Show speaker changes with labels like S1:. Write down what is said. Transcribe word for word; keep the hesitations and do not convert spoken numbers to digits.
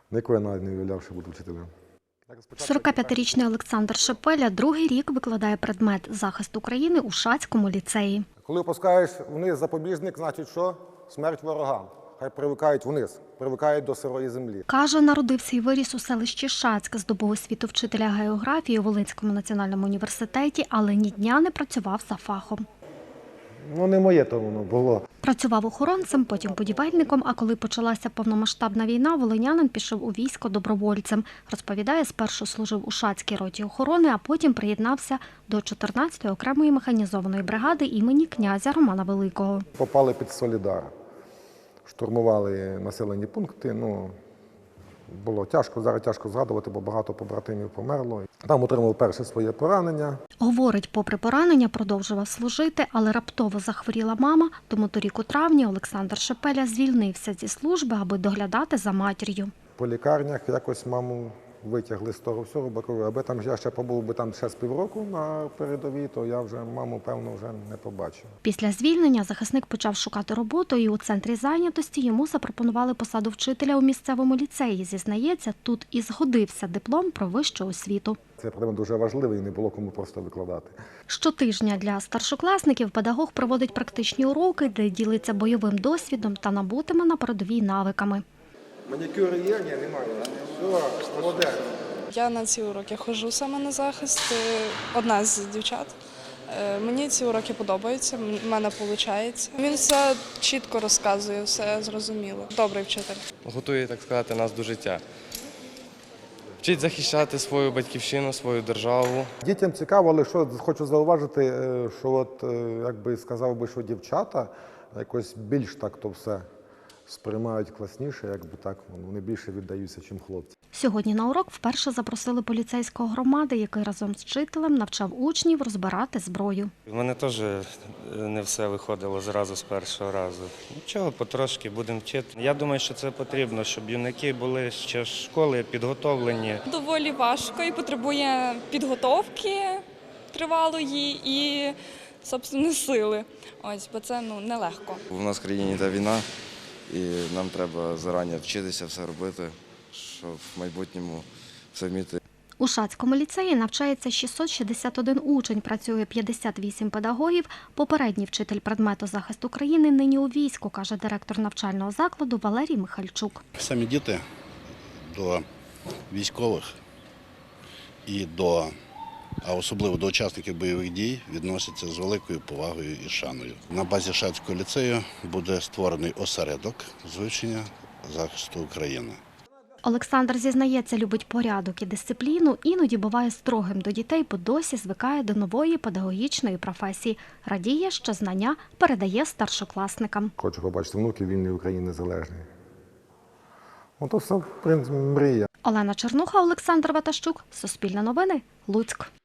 S1: Ніколи навіть не уявляв, що буду вчителем.
S2: сорокап'ятирічний Олександр Шепеля другий рік викладає предмет «Захист України» у Шацькому ліцеї.
S1: Коли опускаєш вниз запобіжник, значить що? Смерть ворогам. Хай привикають вниз, привикають до сирої землі.
S2: Каже, народився і виріс у селищі Шацьк, здобув освіту вчителя географії у Волинському національному університеті, але ні дня не працював за фахом.
S1: Ну, не моє то воно було.
S2: Працював охоронцем, потім будівельником, а коли почалася повномасштабна війна, волинянин пішов у військо добровольцем. Розповідає, спершу служив у Шацькій роті охорони, а потім приєднався до чотирнадцятої окремої механізованої бригади імені князя Романа Великого.
S1: Попали під Солідар, штурмували населені пункти. Ну, було тяжко, зараз тяжко згадувати, бо багато побратимів померло. Там отримав перше своє поранення.
S2: Говорить, попри поранення продовжував служити, але раптово захворіла мама, тому торік у травні Олександр Шепеля звільнився зі служби, аби доглядати за матір'ю.
S1: По лікарнях якось маму витягли з того всього, бо кажу, аби там я ще побув би там ще з півроку на передовій, то я вже маму, певно, вже не побачив.
S2: Після звільнення захисник почав шукати роботу, і у центрі зайнятості йому запропонували посаду вчителя у місцевому ліцеї. Зізнається, тут і згодився диплом про вищу освіту.
S1: Це предмет дуже важливий і не було кому просто викладати.
S2: Щотижня для старшокласників педагог проводить практичні уроки, де ділиться бойовим досвідом та набутими на передовій навиками.
S1: Манікюри є? Ні, немає. Все, молодець.
S3: Я на ці уроки ходжу саме на захист, одна з дівчат. Мені ці уроки подобаються, в мене виходить. Він все чітко розказує, все зрозуміло. Добрий вчитель.
S4: Готує, так сказати, нас до життя. Вчить захищати свою батьківщину, свою державу.
S1: Дітям цікаво, але що хочу зауважити, що от, як би сказав би, що дівчата якось більш так то все сприймають класніше, якби так, вони більше віддаються, чим хлопці.
S2: Сьогодні на урок вперше запросили поліцейського громади, який разом з вчителем навчав учнів розбирати зброю.
S4: У мене теж не все виходило зразу з першого разу. Нічого, потрошки будемо вчити. Я думаю, що це потрібно, щоб юнаки були ще з школи підготовлені.
S5: Доволі важко і потребує підготовки тривалої і, собственно, сили. Ось, бо це ну, нелегко.
S6: У нас в країні йде війна, і нам треба зарані вчитися все робити, щоб в майбутньому все вміти.
S2: У Шацькому ліцеї навчається шістсот шістдесят один учень, працює п'ятдесят вісім педагогів. Попередній вчитель предмету «Захист України» нині у війську, каже директор навчального закладу Валерій Михальчук.
S7: Самі діти до військових і до, а особливо до учасників бойових дій, відносяться з великою повагою і шаною. На базі Шацького ліцею буде створений осередок з вивчення захисту України.
S2: Олександр, зізнається, любить порядок і дисципліну, іноді буває строгим до дітей, бо досі звикає до нової педагогічної професії. Радіє, що знання передає старшокласникам.
S1: Хочу побачити внуків вільної України незалежної. Ото все, в принципі, мрія.
S2: Олена Чернуха, Олександр Ватащук, Суспільне новини, Луцьк.